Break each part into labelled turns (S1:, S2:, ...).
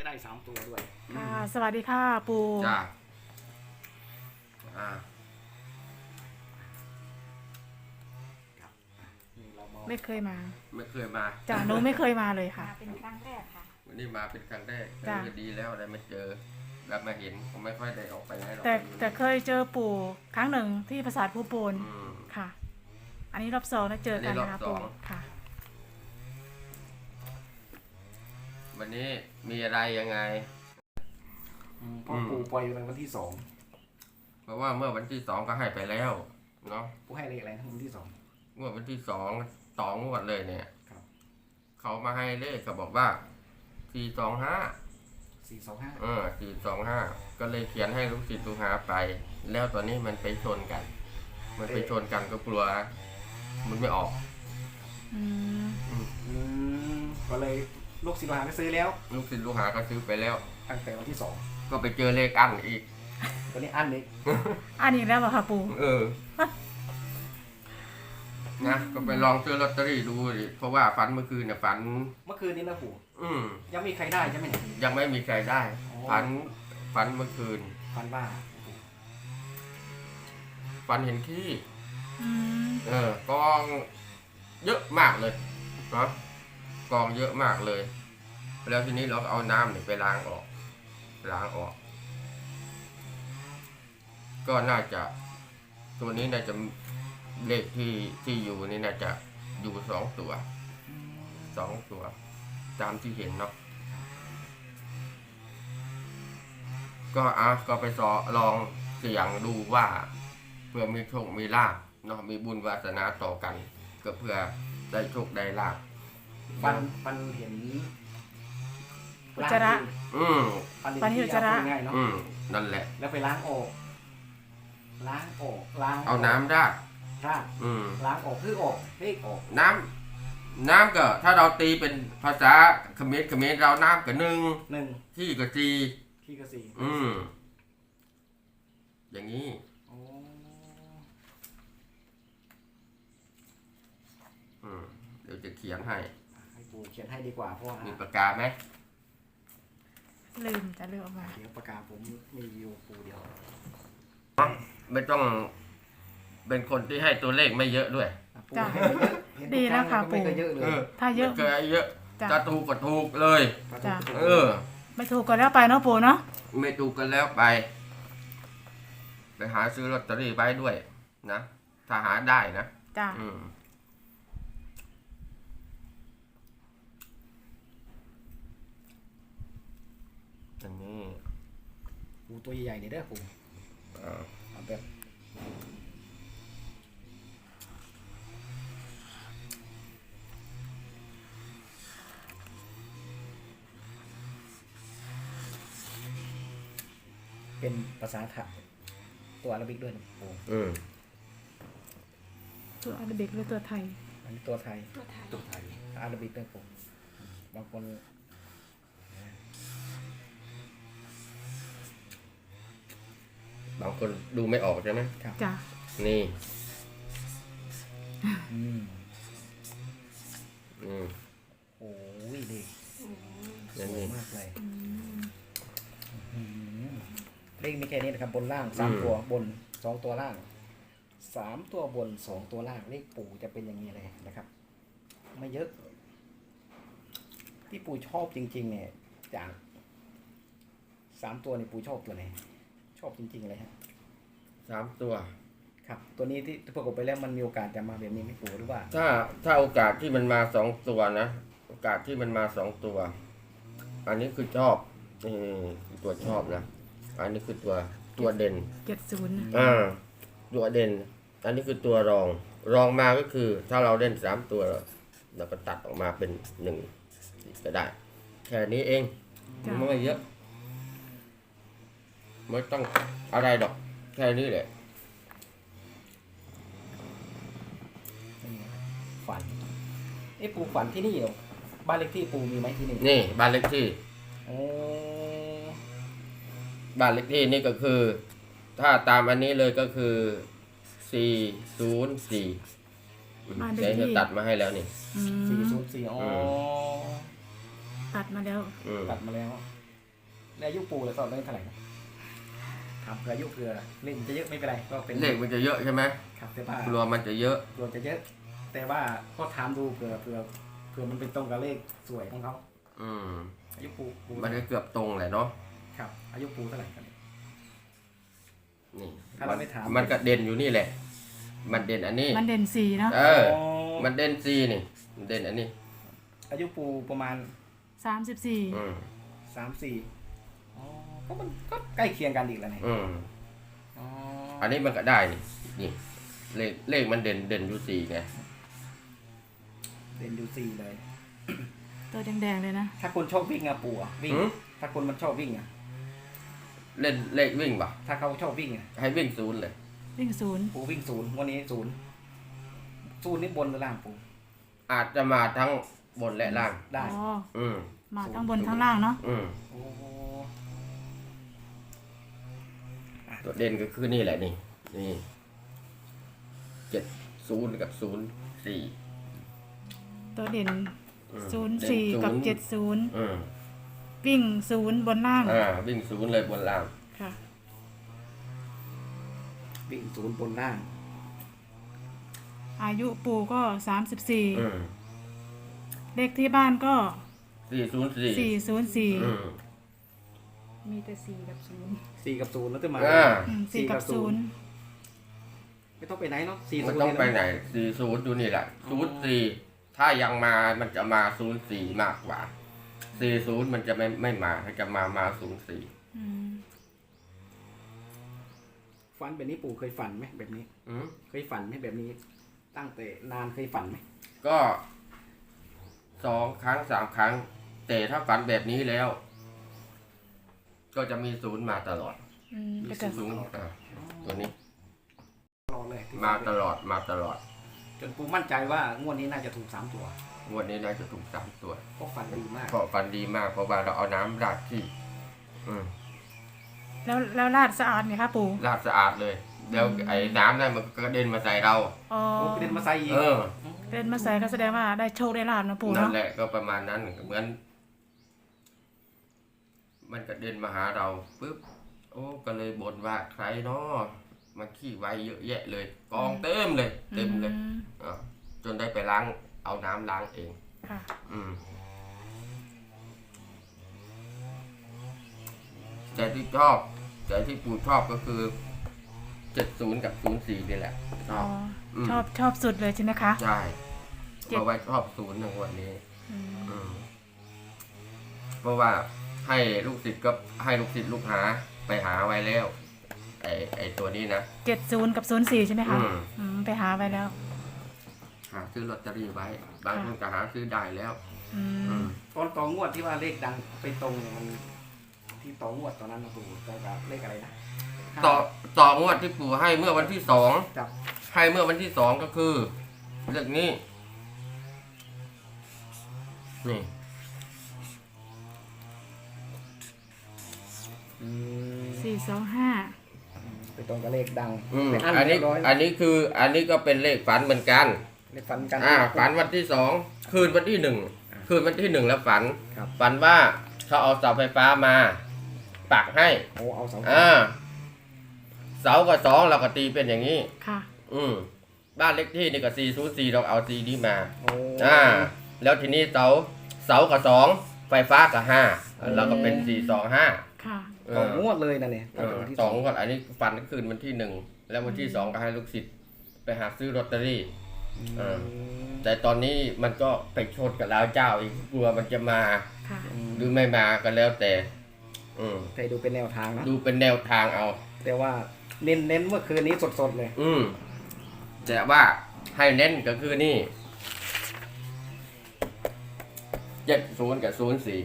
S1: ได้3 ตัวด้วย
S2: ค่ะสวัสดีค่ะปู
S3: จ้าอ่า
S1: นี่เรามา
S2: ไม่เคยมา
S3: ไม่เคยมา
S2: จ้ะหนูไม่เคยมาเลยค่ะ
S4: เป็นครั้งแรกค่ะ
S3: วันนี้มาเป็นครั้งแรก
S2: จ้ะ
S3: ก็ดีแล้วได้มาเจอแล้วมาเห็นผมไม่ค่อยได้ออกไปไหนหรอก
S2: แต่เคยเจอปู่ครั้งหนึ่งที่ปราสาทภูโปน
S3: อืม
S2: ค่ะ อันนี้รอบสองนะเจอกันนะคะ
S3: อันนี้รอบส
S2: ปู่
S3: อง
S2: ค่ะ
S3: วันนี้มีอะไรยังไง
S1: พ่อปู่ปล่อยไปวันที่2
S3: เพราะว่าเมื่อวันที่2ก็ให้ไปแล้วเนาะ
S1: ปู่ให้เลขอะไรนะวันที่2
S3: งวดวันที่2งวดเลยเนี่ย
S1: ครับ
S3: เขามาให้เลขเขาบอกว่า425
S1: 425
S3: 425ก็เลยเขียนให้ลูกศิษย์ลูกหาไป แล้วตอนนี้มันไปชนกัน มันไปชนกันก็กลัว มันไม่ออก
S2: อืม
S1: ก็เลยลูกศิษย์ลูกหาไปซื้อแล้ว
S3: ลูกศิษย์ลูกหาก็ซื้อไปแล้ว
S1: ตั้งแต่วันที่
S3: ก็ไปเจอเลขอั้นอีก
S1: 2ตัวนี้อันนี้
S2: อันนี้แล้วเหรอคะปู่
S3: นะก็ไปลองซื้อลอตเตอรี่ดูดิเพราะว่าฝันเมื่อคืนเนี่ยฝัน
S1: เมื่อคืนนี้นะปู่
S3: อืม
S1: ยังมีใครได้ใช่ไหมเนี่ย
S3: ยังไม่มีใครได้
S1: อ๋อ
S3: ฝันเมื่อคืน
S1: ฟันว่า
S3: ฝันเห็นขี้
S2: อืม
S3: กองเยอะมากเลยเนาะกองเยอะมากเลย แล้วทีนี้เราก็เอาน้ำเนี่ยไปล้างออก ก็น่าจะ ตัวนี้น่าจะเลขที่อยู่นี่น่าจะอยู่2 ตัวตามที่เห็นเนาะก็ไปลองเสี่ยงดูว่าเพื่อมีโชคมีลาภเนาะมีบุญวาสนาต่อกัน ก็เพื่อได้โชคได้ลาภ
S1: ฟันเห็น
S2: อุจจาระ
S1: ฟันเห็น
S2: อุจจาระ
S1: ง่ายๆเนาะ
S3: นั่นแหละ
S1: แล้วไปล้างออก
S3: เอาน้ำราด
S1: ราดล้างออกคือออกเลขออก
S3: น้ำก็ถ้าเราตีเป็นภาษาเขมรเราน้ำก็1 ที่ก็4
S1: ที่กระสี
S3: อย่างนี้
S1: โอ้
S3: เดี๋ยวจะเขียนให้
S1: ให้ปู่เขียนให้ดีกว่าเพราะว่า
S3: มีปากกาไหม
S2: ลืมจะลืมออกมา
S1: เขียนปากกาผมมีอยู่ปู่เดียว
S3: ไม่ต้องเป็นคนที่ให้ตัวเลขไม่เยอะด้วย
S1: ปู่ให้ไม่เยอะเห็นทุก
S2: ดีแล้วค่ะ
S1: รั้ง
S2: ปู่
S1: ไม่เคยเยอะเลย
S2: ถ้าเยอะ
S3: ไม่เคยเยอะ
S2: จ้ะ
S3: จะถูกก็ถูกเลย
S2: จ้ะ ไม่ถูกก็แล้วไปเนาะปู่เนาะ
S3: ไม่ถูกกันแล้วไปหาซื้อลอตเตอรี่ไว้ด้วยนะถ้าหาได้นะ
S2: จ้ะ
S3: อันนี้
S1: ปู่ตัวใหญ่ๆเนี่ยเด้อปู่
S3: อ่า
S1: เอาแบบเป็นภาษาไทยตัวอาราบิกด้วยนะปู่
S2: ตัวอาราบิกหรือตัวไทย
S1: อันนี้ตัวไทย
S4: ตัวไทย
S1: อาราบิกด้วยปู่บางคน
S3: บางคนดูไม่ออกใช่ไหม
S1: ครับ
S2: จ้ะ
S3: นี่
S1: อืม
S3: อืม
S1: โอ้ยดีส
S3: นั่น
S1: วย
S3: นี่
S1: มากเลย
S2: อืม
S1: เลขมีแค่นี้นะครับบนล่าง3 ตัวบน2 ตัวล่าง3 ตัวบน2 ตัวล่างเลขปู่จะเป็นอย่างนี้เลยนะครับ ไม่เยอะ ที่ปู่ชอบจริงๆเนี่ยจาก3 ตัวนี่ปู่ชอบตัวไหนชอบจริงๆเลยฮะ
S3: 3 ตัว
S1: ครับตัวนี้ที่ประกบไปแล้วมันมีโอกาสจะมาแบบนี้ไหม่ปู่หรือว่า
S3: ถ้าโอกาสที่มันมา2 ตัวนะโอกาสที่มันมา2 ตัว อันนี้คือชอบตัวชอบนะอันนี้คือตัวเด่น
S2: 70
S3: ตัวเด่น อันนี้คือตัวรองมาก็คือ ถ้าเราเล่น3 ตัวเราก็ตัดออกมาเป็น1ก็ได้ แค่นี้เอง
S2: จ้ะ
S3: ไม่เยอะไม่ต้องอะไรดอกแค่นี้แหละ
S1: ฝันปู่ฝันที่นี่เหรอบ้านเลขที่ปู่มีไหมที่นี่
S3: นี่บ้านเลขที่
S1: โอ้
S3: บ้านเลขที่นี่ก็คือ ถ้าตามอันนี้เลยก็คือ404
S2: บ้านเล
S3: เดี๋ยว
S2: ขที่
S3: จะตัดมาให้แล้วนี่
S2: อืม
S1: 404อ๋อ
S2: ตัดมาแล้ว
S3: อืม
S1: ตัดมาแล้วแล้วอายุปู่แล้วตอนเล่นเท่าไหร่นะถามเผื่ออายุเผื่อเล่นจะเยอะไม่เป็นไรก็เป็น
S3: เลขมันจะเยอะใช่ไหม
S1: ครับแต่ว่าก
S3: ลัวมันจะเยอะ
S1: ตัวจะเยอะ แต่ว่าก็ถามดูเผื่อมันเป็นตรงกับเลขสวยของเขา
S3: อืม
S1: อายุปู่
S3: มันก็เกือบตรงแหละเนาะ
S1: ครับอายุปู่เท่าไหร่ครับ
S3: นี่
S1: ถ้าเราไม่ถาม
S3: มันก็เด่นอยู่นี่แหละ มันเด่นอันนี้
S2: มันเด่น4เนาะ
S3: เออ มันเด่นซีนี่มันเด่นอันนี้
S1: อายุปู่ประมาณ
S2: 34
S3: อืม
S1: 3-4อ๋อก็มันก็ใกล้เคียงกันอีกแล้วนี่
S3: อืม
S1: อ๋อ
S3: อันนี้มันก็ได้นี่นี่เลขมันเด่นอยู่สี่ไง
S1: เด่นอยู่4เลย
S2: ตัวแดงๆเลยนะ
S1: ถ้าคนชอบวิ่งอะปู่อะวิ่ง
S3: หือ
S1: ถ้าคนมันชอบวิ่งอะ
S3: เล่นเลขวิ่งป่ะ
S1: ถ้าเขาชอบวิ่งอะ
S3: ให้วิ่งศูนย์เลย
S2: วิ่ง
S1: ปู่วิ่ง0วันนี้0นี่บนหรือล่างปู่
S3: อาจจะมาทั้งบนและล่าง
S2: 0
S1: ได้
S2: อ๋อ
S3: อืม
S2: มาทั้งบนทั้งล่างเนาะ
S3: อืม
S1: โอ้
S3: ตัวเด่นก็คือนี่แหละนี่นี่70กับ04
S2: ตัวเด่น
S3: อืม
S2: 04 กับ
S3: เด่นศูนย์
S2: 70
S3: อืม
S2: วิ่ง 0 บนล่าง
S3: วิ่งศูนย์เลยบนล่าง
S2: ค่ะ
S1: วิ่ง0บนล่าง
S2: อายุปู่ก็
S3: อื
S2: 34
S3: ม
S2: เลขที่บ้านก็
S3: 404
S2: 404
S3: อืม
S2: มีแต่4กับ0
S1: 4กับ0แล้วจะมา
S2: 4กับ0
S1: ไม่ต้องไปไหนเนาะ4
S3: มันต้องไปไหน40อยู่นี่แหละ04ถ้ายังมามันจะมา04มากกว่า40มันจะไม่มาถ้าจะมา04
S2: อืม
S1: ฝันแบบนี้ปู่เคยฝันไหมแบบนี้
S3: อืม
S1: เคยฝันไหมแบบนี้ ตั้งแต่นานเคยฝันไหม
S3: ก็2 ครั้ง 3 ครั้ง แต่ถ้าฝันแบบนี้แล้ว ก็จะมี0มาตลอด
S2: ก็จะ
S3: ศูนย์ตัวนี้
S1: ตลอดเลยที่
S3: มาตลอดมาตลอด
S1: จนปู่มั่นใจว่างวดนี้น่าจะถูก3 ตัว
S3: งวดนี้น่าจะถูก3 ตัว
S1: ก็ฝันดีมาก
S3: เพราะฟันดีมากเพราะว่าเราเอาน้ำราดที่
S2: แล้วลาดสะอาดไหมคะปู่
S3: ราดสะอาดเลยแล้วไอ้น้ำนั่นมันก็กระเด็นมาใส่เรา
S2: อ๋อ
S1: โอ้กระเด็นมาใส่อีก
S3: เออ
S2: เล่นมาใส่ก็แสดงว่าได้โชคได้ลาบนะปู่
S3: นั่น
S2: เนาะ
S3: แหละก็ประมาณนั้นเหมือน มันกระเด็นมาหาเราปุ๊บโอ้ก็เลยบ่นว่าใครเนาะมันขี้ไวเยอะแยะเลยกองเต็มเลยเต็มเลย
S2: อืม
S3: อ่ะจนได้ไปล้างเอาน้ำล้างเอง
S2: ค่ะ
S3: อืมแต่ที่ชอบแต่ที่ปู่ชอบก็คือ70กับ04นี่แหละช
S2: อ๋
S3: อ
S2: อบ
S3: อืม
S2: ชอบสุดเลยใช่ไหมคะ
S3: ใช่เพราะว่าชอบ0ในวันนี้
S2: อืม
S3: อืมเพราะว่าให้ลูกศิษย์ก็ให้ลูกศิษย์ลูกหาไปหาไว้แล้ว ไอตัวนี้นะ
S2: 70กับ04ใช่ไหมคะ
S3: อืม
S2: ไปหาไว้แล้ว
S3: หาซื้อลอตเตอรี่ไว้ บางคนก็หาซื้อได้แล้ว
S2: อื
S3: อื
S2: ม
S3: ม
S1: ตอนต่องวดที่ว่าเลขดังไปตรงเนี่ยมันที่ต่องวดตอนนั้นนะปู่ตรงกับเลขอะไรนะ
S3: ต่องวดที่ปู่ให้เมื่อวันที่2
S1: จับ
S3: ให้เมื่อวันที่2ก็คือเรื่องนี้ นี่
S2: 425
S1: ไปตรงกับเลขดัง
S3: อืม
S1: ไปอั้น
S3: อันนี้
S1: เรียบร้อย
S3: อันนี้คือ อันนี้ก็เป็นเลขฝันเหมือนกัน
S1: เลขฝันกัน
S3: ฝันวันที่2คืนวันที่1คืนวันที่1แล้วฝัน
S1: ครับ
S3: ฝันว่าเขาเอาเสาไฟฟ้ามาปักให้
S1: โอ้เอาเสา
S3: เสากับ2เราก็ตีเป็นอย่างนี้
S2: ค่ะ
S3: บ้านเล็กที่นี่ก็404เราเอา4นี้มา
S1: โอ้
S3: แล้วทีนี้เสากับ2ไฟฟ้ากับ5เราก็เป็น425
S2: ค่ะ
S1: ต่องวดเลยนะเนี่ยตั้งแต่วันที่
S3: สองก่อนอันนี้ฝันคืนวันที่1แล้ววันที่2ก็ให้ลูกศิษย์ไปหาซื้อลอตเตอรี่ แต่ตอนนี้มันก็ไปชนกับลาวเจ้าอีกกลัวมันจะมา
S2: ค่ะ
S3: หรือไม่มาก็แล้วแต่
S1: แต่ดูเป็นแนวทางนะ
S3: ดูเป็นแนวทางเอา แต่
S1: แต่ว่าเน้นเมื่อคืนนี้สดๆเลย
S3: แต่ว่าให้เน้นก็คือนี่70กับ04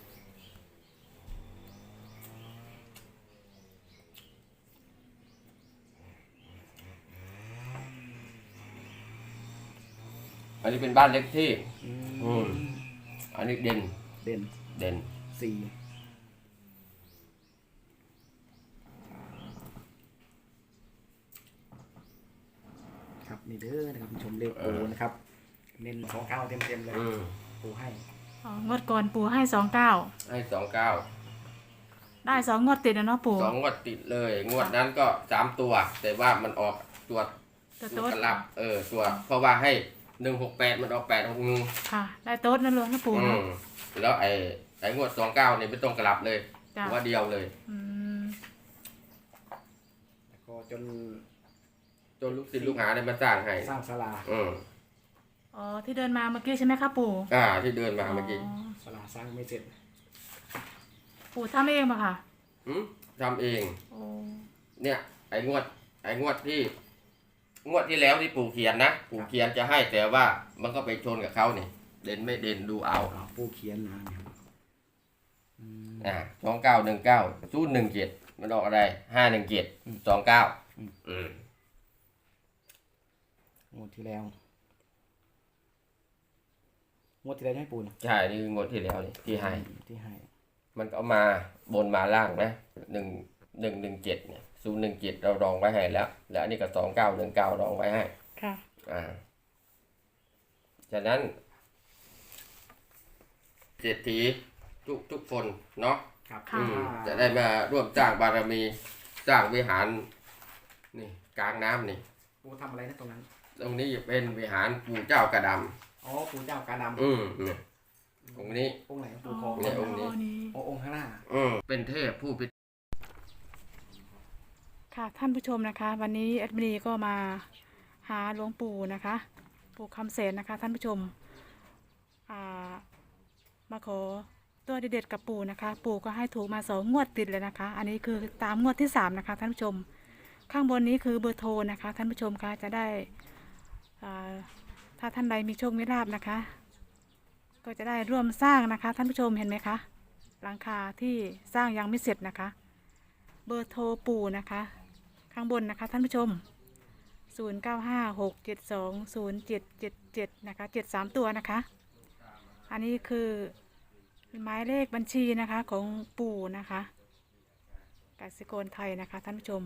S3: อันนี้เป็นบ้านเล็กที่ อันนี้เด่น
S1: เด่น
S3: เด่น
S1: 4ครับนี่เด้อนะครับชมเลขปูนะครับ เน้น29เต็มๆเลยปูให้
S2: งวดก่อนปู่ให้ 29
S3: ให้29
S2: ได้2 งวดติดนะเนาะปู่
S3: 2 งวดติดเลย งวดนั้นก็3 ตัว แต่ว่ามันออกตัว
S2: ตัว
S3: ตัว
S2: โต๊ด
S3: กลับตัวเพราะว่าให้168มันออก861
S2: ค่ะ ได้โต๊ดนั่นเลยนะปู่
S3: อื
S2: เนาะ
S3: มแล้วไอ้งวด29เนี่ยไม่ต้องกลับเลย
S2: จ้ะ
S3: ว่าเดียวเลย
S2: อืม
S1: แล้วก็จน
S3: จนลูกศิษย์ลูกหาเนี่ยมาสร้างให้
S1: สร้างศาลา
S3: อืม
S2: อ๋อที่เดินมาเมื่อกี้ใช่ไหมคะปู่
S3: ที่เดินมาเมื่อกี้
S1: ศาลาสร้างไม่เสร็จ
S2: ปู่ทำเองป่ะค่ะ
S3: ทำเอง
S2: โอ้
S3: เนี่ยไอ้งวดที่แล้วที่ปู่เขียนนะปู่เขียนจะให้แต่ว่ามันก็ไปชนกับเขาเนี่ยเด่นไม่เด่นดูเอา
S1: ผู้เขียนนะเนี่ยอืม
S3: 2919 มันออกอะไร517 29
S1: งวดที่แล้วงวดที่แล้วให้ปูน
S3: ใช่นี่คืองวดที่แล้วนี่ที่ให้
S1: ที่ให้
S3: มันก็มาบนมาล่างนะ117เนี่ย017เรารองไว้ให้แล้วแล้วอันนี้ก็2919รองไว้ให้
S2: ค่ะ
S3: ฉะนั้นเศรษฐีทุกคนเนาะ
S1: ครับ
S2: ค่ะ
S3: จะได้มาร่วมสร้างบารมีสร้างวิหารนี่กลางน้ำนี่
S1: ปูทำอะไรนะตรงนั้น
S3: ตรงนี้เป็นวิหารปู่เจ้ากระด
S1: อ๋อปูเจ้ากาดำ
S3: ำเนี่ยตรงนี้
S1: องค์ไหนปูทอง
S3: เนี่ยองค์นี้
S1: อ๋อองค์ข้างหน้า
S3: เป็นเทพผู้เป็น
S2: ค่ะท่านผู้ชมนะคะ วันนี้แอดมินีก็มาหาหลวงปู่นะคะ ปู่คำเสนนะคะ ท่านผู้ชมมาขอตัวเด็ดๆกับปู่นะคะ ปู่ก็ให้ถูกมา2 งวดติดเลยนะคะ อันนี้คือตามงวดที่3นะคะท่านผู้ชม ข้างบนนี้คือเบอร์โทรนะคะ ท่านผู้ชมคะจะได้ถ้าท่านใดมีโชคมีลาภนะคะ ก็จะได้ร่วมสร้างนะคะ ท่านผู้ชมเห็นไหมคะหลังคาที่สร้างยังไม่เสร็จนะคะ เบอร์โทรปู่นะคะ ข้างบนนะคะท่านผู้ชม 0956720777 นะคะ73 ตัวนะคะ อันนี้คือหมายเลขบัญชีนะคะของปู่นะคะกสิกรไทยนะคะท่านผู้ชม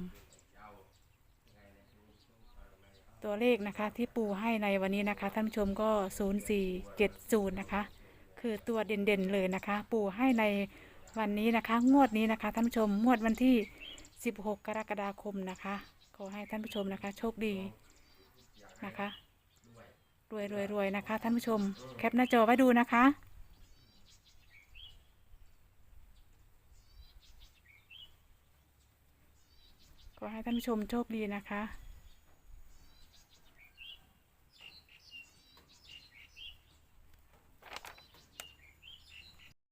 S2: ตัวเลขนะคะที่ปู่ให้ในวันนี้นะคะท่านผู้ชมก็0470นะคะคือตัวเด่นๆเลยนะคะ ปู่ให้ในวันนี้นะคะงวดนี้นะคะท่านผู้ชมงวดวันที่16 กรกฎาคมนะคะขอให้ท่านผู้ชมนะคะโชคดีนะคะรวยนะคะท่านผู้ชมแคปหน้าจอไว้ดูนะคะขอให้ท่านผู้ชมโชคดีนะคะ